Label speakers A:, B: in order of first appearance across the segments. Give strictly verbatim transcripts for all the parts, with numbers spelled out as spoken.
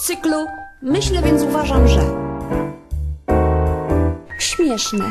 A: cyklu. Myślę, więc uważam, że śmieszne.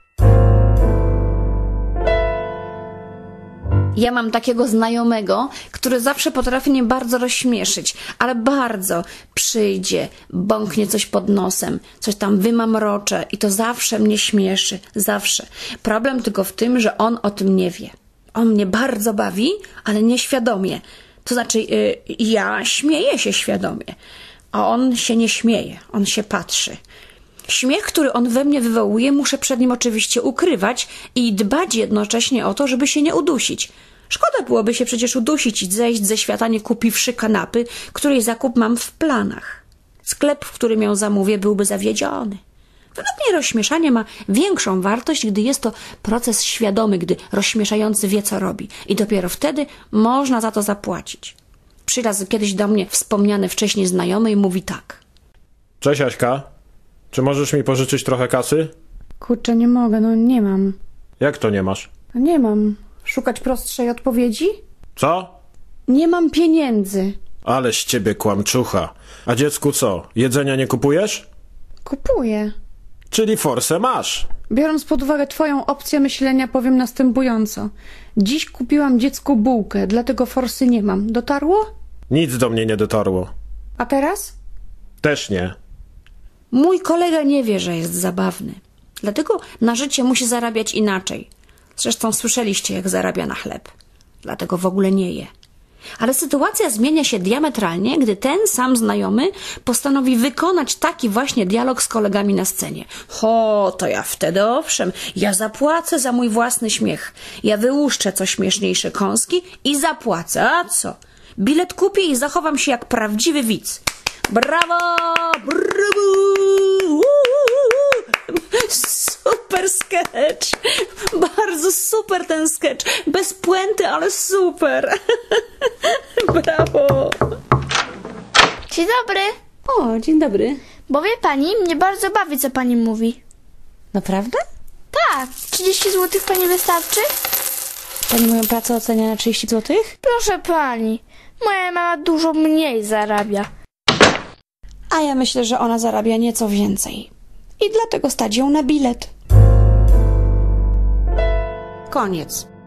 A: Ja mam takiego znajomego, który zawsze potrafi mnie bardzo rozśmieszyć, ale bardzo przyjdzie, bąknie coś pod nosem, coś tam wymamrocze i to zawsze mnie śmieszy, zawsze. Problem tylko w tym, że on o tym nie wie. On mnie bardzo bawi, ale nieświadomie. To znaczy, yy, ja śmieję się świadomie, a on się nie śmieje, on się patrzy. Śmiech, który on we mnie wywołuje, muszę przed nim oczywiście ukrywać i dbać jednocześnie o to, żeby się nie udusić. Szkoda byłoby się przecież udusić i zejść ze świata, nie kupiwszy kanapy, której zakup mam w planach. Sklep, w którym ją zamówię, byłby zawiedziony. Według mnie rozśmieszanie ma większą wartość, gdy jest to proces świadomy, gdy rozśmieszający wie, co robi. I dopiero wtedy można za to zapłacić. Przyraz kiedyś do mnie wspomniany wcześniej znajomy i mówi tak.
B: Cześć, Aśka. Czy możesz mi pożyczyć trochę kasy?
A: Kurczę, nie mogę, no nie mam.
B: Jak to nie masz?
A: No nie mam. Szukać prostszej odpowiedzi?
B: Co?
A: Nie mam pieniędzy.
B: Ale z ciebie kłamczucha. A dziecku co? Jedzenia nie kupujesz?
A: Kupuję.
B: Czyli forsę masz.
A: Biorąc pod uwagę twoją opcję myślenia, powiem następująco. Dziś kupiłam dziecku bułkę, dlatego forsy nie mam. Dotarło?
B: Nic do mnie nie dotarło.
A: A teraz?
B: Też nie.
A: Mój kolega nie wie, że jest zabawny. Dlatego na życie musi zarabiać inaczej. Zresztą słyszeliście, jak zarabia na chleb. Dlatego w ogóle nie je. Ale sytuacja zmienia się diametralnie, gdy ten sam znajomy postanowi wykonać taki właśnie dialog z kolegami na scenie. Ho, to ja wtedy owszem, ja zapłacę za mój własny śmiech. Ja wyłuszczę co śmieszniejsze kąski i zapłacę. A co? Bilet kupię i zachowam się jak prawdziwy widz. Brawo! Brawo! Super sketch! Bardzo super ten sketch. Bez puenty, ale super. Brawo!
C: Dzień dobry.
A: O, dzień dobry.
C: Bo wie pani, mnie bardzo bawi, co pani mówi.
A: Naprawdę?
C: Tak. trzydzieści złotych pani wystarczy?
A: Pani moją pracę ocenia na trzydzieści złotych?
C: Proszę pani, moja mama dużo mniej zarabia.
A: A ja myślę, że ona zarabia nieco więcej. I dlatego stać ją na bilet. Koniec.